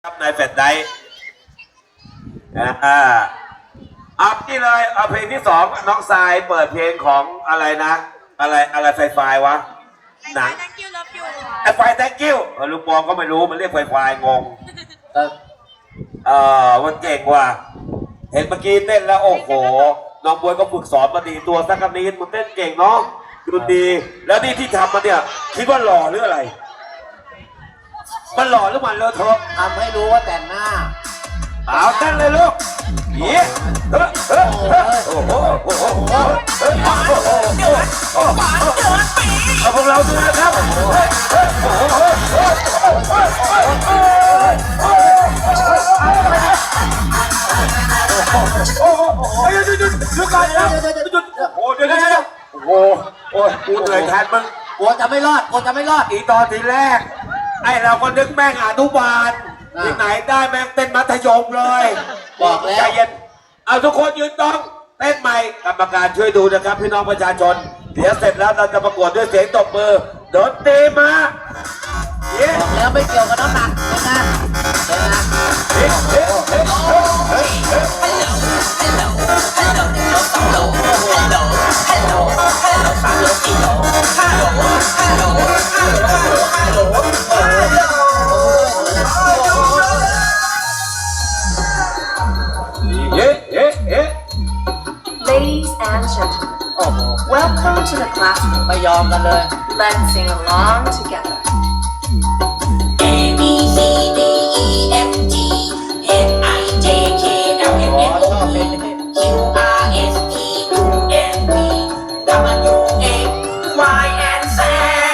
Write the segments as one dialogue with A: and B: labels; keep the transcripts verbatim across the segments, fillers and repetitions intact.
A: ครับนายแฟดไดอ่าอัพนี่เลยเอาเพลงที่สองน้องทรายเปิดเพลงของอะไรนะอะไรอะไรไฟไฟวะหนังไอไฟแตงกิ้วลูกบอลก็ไม่รู้มันเรียกไฟไฟงงเออมันเก่งว่ะเห็นเมื่อกี้เต้นแล้วโอ้โหน้องบวยก็ฝึกสอนมาดีตัวสักกันนี้มันเต้นเก่งเนาะดูดีแล้วนี่ที่ทำมาเนี่ยคิดว่าหล่อหรืออะไรมันหล่อหรือมันเลอะเทอะ
B: ทำให้รู้ว่าแต่งหน้า
A: เอาเต้นเลยลูกเฮ้ยเฮ้ยเฮ้ยโอ้โหโอ้โหโอ้โหโอ้โหโอ้โหเอาพวกเราดูนะครับเฮ้ยเฮ้ยโอ้โหโอ้โหโอ้โหหยุดหยุดหยุดหยุดก่อนนะหยุดโอ้เดี๋ยวเดี๋ยวเดี๋ยวโอ้โหโอ้ยกูเหนื่อยแทนมึง
B: กลัวจะไม่รอดกลัวจะไม่รอด
A: อีตอนทีแรกไอเราก็นึกแม่งอนุบาลที่ไหนได้แม่งเต้นมัธยมเลย
B: บอกแล้ว
A: ใจเย็นเอาทุกคนยืนตรงเต้นใหม่กรรมการช่วยดูนะครับพี่น้องประชาชนเดี๋ยวเสร็จแล้วเราจะประกวดด้วยเสียงตบมือโดนตีมา
B: บอกแล้วไม่เกี่ยวกับน้ำหนักเป็นไงเป็นไง
C: Ladies and gentlemen, welcome to the classroom.
B: ไม่ยอมกันเลย
C: Let's sing along together.
D: A B C D E F G H I J K L M N O P Q R S T U N V W X Y and Z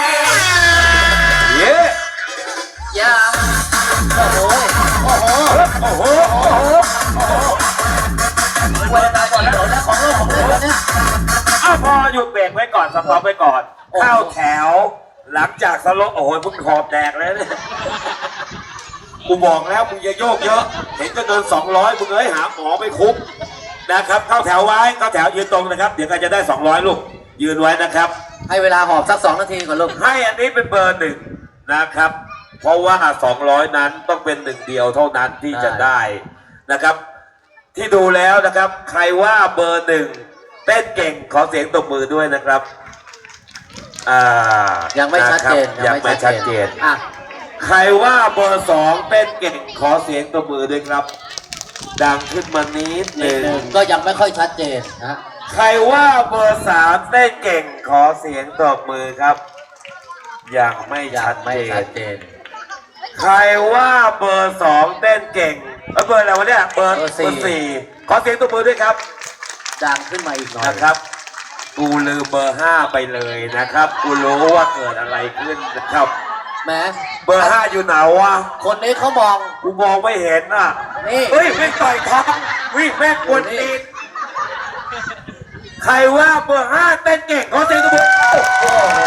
A: เย้
B: Yeah โอ้โหโอ้โห
A: โอ้โหโอ้โห
B: เวลาก่อนแล้วนะของโลกของโลกเนี่ย
A: อ้าวพอหยุดเบรกไว้ก่อนสต็อปไว้ก่อนเข้าแถวหลังจากสโลโอ้โหมึงขอบแตกแล้วเนี่ยกูบอกแล้วมึงอย่าโยกเยอะเห็นจะเดินสองร้อยมึงเอ้ยหาหมอไปคุกนะครับเข้าแถวไว้เข้าแถวยืนตรงนะครับเดี๋ยวก็จะได้สองร้อยลูกยืนไว้นะครับ
B: ให้เวลาหอบสักสองนาทีก่อนลูก
A: ให้อันนี้เป็นเบอร์หนึ่งนะครับเพราะว่าสองร้อยนั้นต้องเป็นหนึ่งเดียวเท่านั้นที่จะได้นะครับที่ดูแล้วนะครับใครว่าเบอร์หนึ่งเต้นเก่งขอเสียงตบมือด้วยนะครับอ่า
B: ยังไม่ชัดเจน
A: ยังไม่ชัดเจน
B: อ่ะ
A: ใครว่าเบอร์สองเต้นเก่งขอเสียงตบมือด้วยครับดังขึ้นมานิดหนึ่ง
B: ก็ยังไม่ค่อยชัดเจนนะ
A: ใครว่าเบอร์สามเต้นเก่งขอเสียงตบมือครับยังไม่ชัดเจนใครว่าเบอร์สองเต้นเก่งแล้วเบอร์อะไรวะเนี่ยเบอร์สี่ขอเสียงตบมือด้วยครับ
B: ดังขึ้นมาอีกหน่อย
A: นะครับกูลืมเบอร์ห้าไปเลยนะครับกูรู้ว่าเกิดอะไรขึ้นนะครับ
B: แหม
A: เบอร์ห้าอยู่ไหนวะ
B: คนนี้เขามอง
A: กูมองไม่เห็นอ่ะ
B: นี่
A: เฮ้ยไม่ต่อยท้องวิ่งแม่กวนตีนใครว่าเบอร์ห้าเต้นเก่งขอเสียงตบมือโอ้โห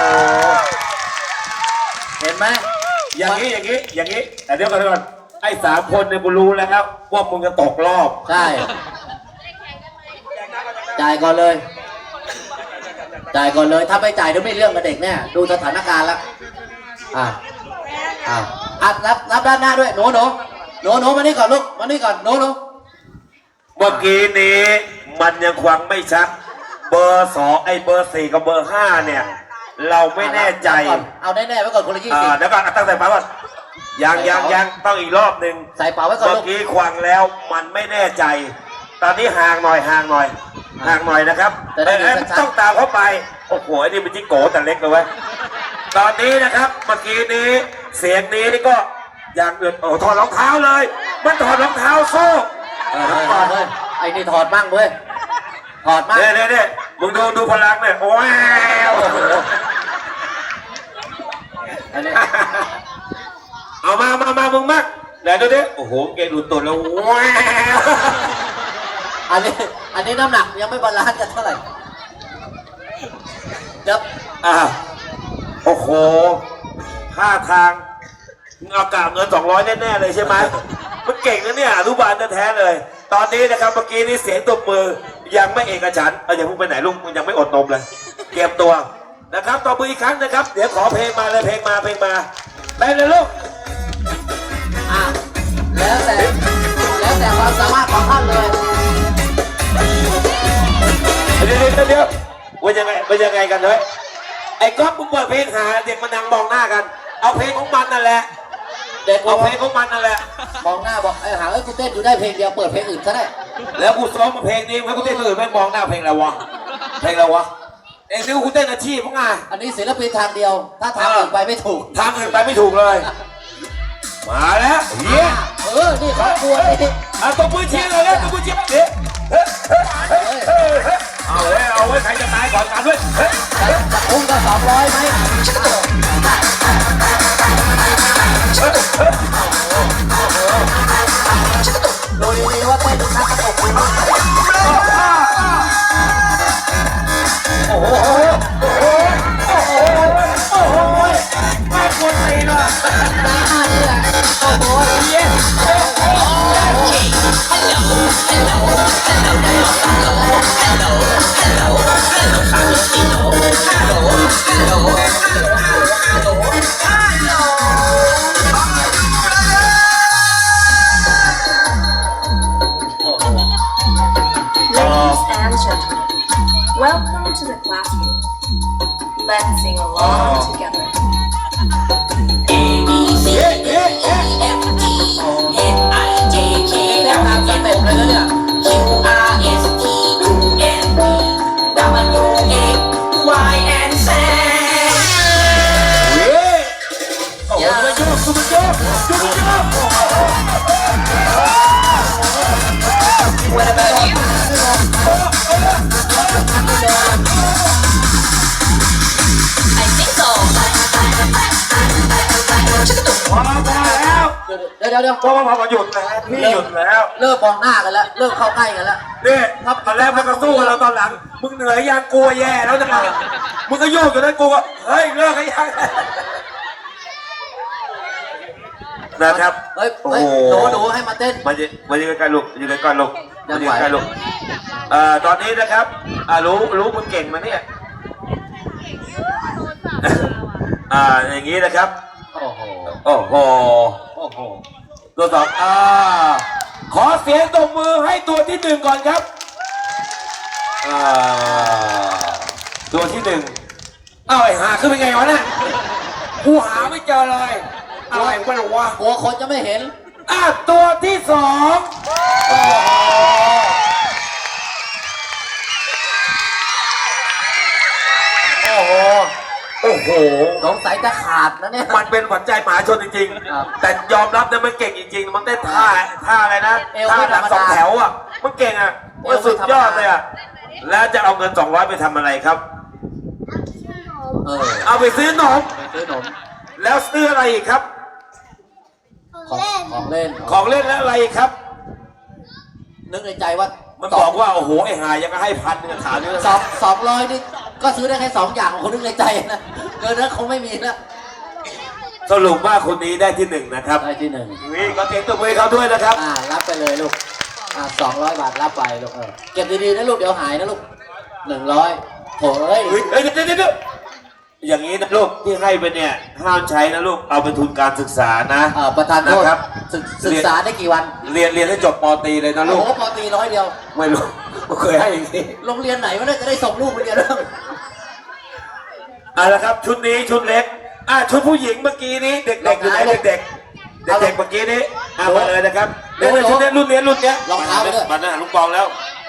B: เห็นไหม
A: อย่างนี้อย่างนี้อย่างนี้แต่เดี๋ยวก่อนเดี๋ยวก่อนไอ้สามคนเนี่ยกูรู้แล้วครับว่ามึงจะตกรอบ
B: ใช่จ่ายก่อนเลยจ่ายก่อนเลยถ้าไม่จ่ายเดี๋ยวไม่เรื่องกับเด็กแน่ดูสถานการณ์แล้วอ่าอ่าอ่ะรับรับด้านหน้าด้วยหนูหนูหนูหนูมานี่ก่อนลูกมานี่ก่อนหนูหนู
A: เมื่อกี้นี้มันยังควังไม่ชัดเบอร์สองไอ้เบอร์สี่กับเบอร์ห้าเนี่ยเราไม่แน่ใจ
B: เอาแน่ๆไว้ก่อนคนละยี่สิบ
A: เดี๋ยวก่อนตั้งแต่ป๋าก่อนยังยังยังต้องอีกรอบหนึ่ง
B: ใส่เป๋าไว้ก่อน
A: เมื่อกี้ควังแล้วมันไม่แน่ใจตอนนี้ห่างหน่อยห่างหน่อยห่างหน่อยนะครับแต่ต้องตามเข้าไปโอ้โหนี่เป็นจิโก้แต่เล็กเลยเว้ยตอนนี้นะครับเมื่อกี้นี้เสียงนี้นี่ก็อย่างอื่นโอ้ถอดรองเท้าเลยมันถอดรองเท้าโซ่
B: ไอ้นี่ถอดมั่งเว้ยถอดมั่ง
A: เนี่ยเนี่ยมึงดูดูพลังเนี่ยโอ้ยเอามามามามึงมักไหนดูดิโอ้โหเกดูตัวแล้วว้า
B: อันนี้อันนี้น้ำหนักยังไม่บาลานซ์กันเท่าไหร่เดี๋ยว
A: อ่าโอ้โหท่าทางเอากาเงินสองร้อยแน่ๆเลยใช่ไหมมันเก่งนะเนี่ยอนุบาลแท้ๆเลยตอนนี้นะครับเมื่อกี้นี้เสียงตบมือยังไม่เอกฉันท์เอาอย่าพุ่งไปไหนลุงยังไม่อดนมเลยเก็บตัวนะครับตบมืออีกครั้งนะครับเดี๋ยวขอเพลงมาเลยเพลงมาเพลงมาไปเลยลูก
B: อ่ะ
A: ว่ายังไงว่ายังไงกันเฮ้ยไอ้ก๊อฟมึงเปิดเพลงหาเด็กมานั่งมองหน้ากัน เอาเพลงของมันนั่นแหละ
B: เด็ก
A: เอาเพลงของมันนั่นแหละ
B: มองหน้าบอกไอ้หาเอ้ยกูเต้นอยู่ได้เพลงเดียวเปิดเพลงอื่นก็ได้
A: แล้วกูซ้อมมาเพลงนี้แล้วกูเต้นคนอื่นไม่มองหน้าเพลงอะไรวะเพลงอะไรวะเอ็งนึกว่ากูเต้นอาชีพมั้งไง
B: อันนี้ศิลปินทางเดียว ถ้าทางอื่นไปไม่ถูก
A: ทางอื่นไปไม่ถูกเลย มาแล้วเฮีย
B: เออ นี่ครอบครัวนี่
A: อ่ะตบมือเชียร์เลยนะตบมือเชียร์เฮ้ยเฮ้ยเฮ้ยเฮ้ยเฮ้ยเอาเฮ้ยเอาไว้ใครจะตายก่อนกันด้วยเฮ้ย
B: จะอุ้มก็สองร้อยไหมดูดีๆว่าเต้นนักกระตกดีมากโอ้โหโอ้โหโอ้โหโอ้โหไม่ควรตีนะตานี่แหละโอ้โหเย้โอ้โห
C: Ladies and gentlemen, welcome to the classroom. Let's sing along together.
D: A B C D E F G H I J K L M N O Q R S T U N V W X Y and Z
A: เฮ้ยโอ้โหมันโยกมันโยกมันโยก
D: What about you? I think so.
A: พอพอแล้ว
B: เดี๋ยวเดี๋ยวเดี๋ยว
A: พอพอพอหยุดแล้วพี่หยุดแล้ว
B: เริ่มมองหน้ากันแล้ว เริ่มเข้าใกล้กันแล้ว
A: นี่ตอนแรกมันก็สู้กันเราตอนหลัง มึงเหนื่อยยังกลัวแย่แล้วจังเลยมึงก็โยกอยู่นั้นกูก็เฮ้ยเลิกกันยังนะครับ
B: เฮ้ย
A: โอ้
B: เฮ้ย
A: โห
B: หนูหนูให้มาเต้น
A: มายืนมายืนใกล้ๆลูกยืนใกล้ๆลูก
B: ยั
A: มาง ยื
B: ไหว
A: นใกล้ๆลูกเอ่อตอนนี้นะครับอ่ารู้รู้มึงเก่งมาเนี่ยอ่าอย่างนี้นะครับ
B: โอ้โห
A: โอ้โห
B: โอ้โห
A: ตัวสองอ่าขอเสียงตบมือให้ตัวที่หนึ่งก่อนครับอ่าตัวที่หนึ่งเอ้าไอ้หาขึ้นไปไงวะเนี่ยกูหาไม่เจอเลยอะไรวะเนี่ยวะ
B: กลัวคนจะไม่เห็น
A: อ่ะตัวที่สองโอ้โหโอ้โห
B: สงสัยจะขาดนะเนี่ย
A: มันเป็นขวัญใจมหาชนจริง
B: ครับ
A: ๆ แต่ยอมรับนะมันเก่งจริงๆ มันเต้นท่าท่าอะไรนะ
B: เอว
A: ท่า
B: ไม่
A: ห
B: ธร
A: ลั
B: รง มดา
A: สองแถวอ่ะ มันเก่งอ่ะ
B: เอ
A: มัน
B: วไม่
A: สุดยอด
B: ธรรมดา
A: เลยอ่ะ แล้วจะเอาเงินสองร้อยไปทำอะไรครับ
B: เออ
A: เอาไปซื้อนม
B: ไปซื้อนม
A: แล้วซื้ออะไรอีกครับ
B: ของของเล่น
A: ของเล่นแล้วอะไรอีกครับ
B: นึกในใจว่า
A: มันบอกว่าโอ้โหไอ้หายังก็ให้พันหนึงถามนี่
B: สองสองร้อยนี่ก็ซื้อได้แค่สองอย่างของคนนึกในใจนะเกินนั้นคงไม่มีแล้ว
A: สรุปว่าคนนี้ได้ที่หนึ่งนะครับ
B: ได้ที่หนึ่ง
A: นี่ก็เต็มตัวมือเขาด้วยนะครับ
B: อ่ารับไปเลยลูกอ่าสองร้อยบาทรับไปลูกเออเก็บดีๆนะลูกเดี๋ยวหายนะลูกหนึ่งร้อยโถเอ้ย
A: เฮ้ยเฮ้ยเดี๋ยวเดี๋ยวเดี๋ยวอย่างนี้นะลูกที่ให้ไปเนี่ยห้ามใช้นะลูกเอาเป็นทุนการศึกษานะ
B: เอ่อประธานโทษ
A: นะครับ
B: ศึกศึกษาได้กี่วัน
A: เรียนเรียนให้จบปตรีเลยนะ
B: โอ้
A: ลูก
B: โหปอตรีร้อยเดียว
A: ไม่รู้ไม่เคยให้อย่างนี้
B: โรงเรียนไหนวะเนี่ยจะได้ส่งลูกไปเรียนเรื่อง
A: เอาละครับชุดนี้ชุดเล็กอ่ะชุดผู้หญิงเมื่อกี้นี้เด็กๆอยู่ไหนเด็กๆเด็กๆเมื่อกี้นี้อ่ะมาเลยนะครับเด็กๆชุดนี้รุ่นนี้รุ่นเนี้ย
B: รองเท้าไปด้วย
A: มาหน้าลุงปองแล้ว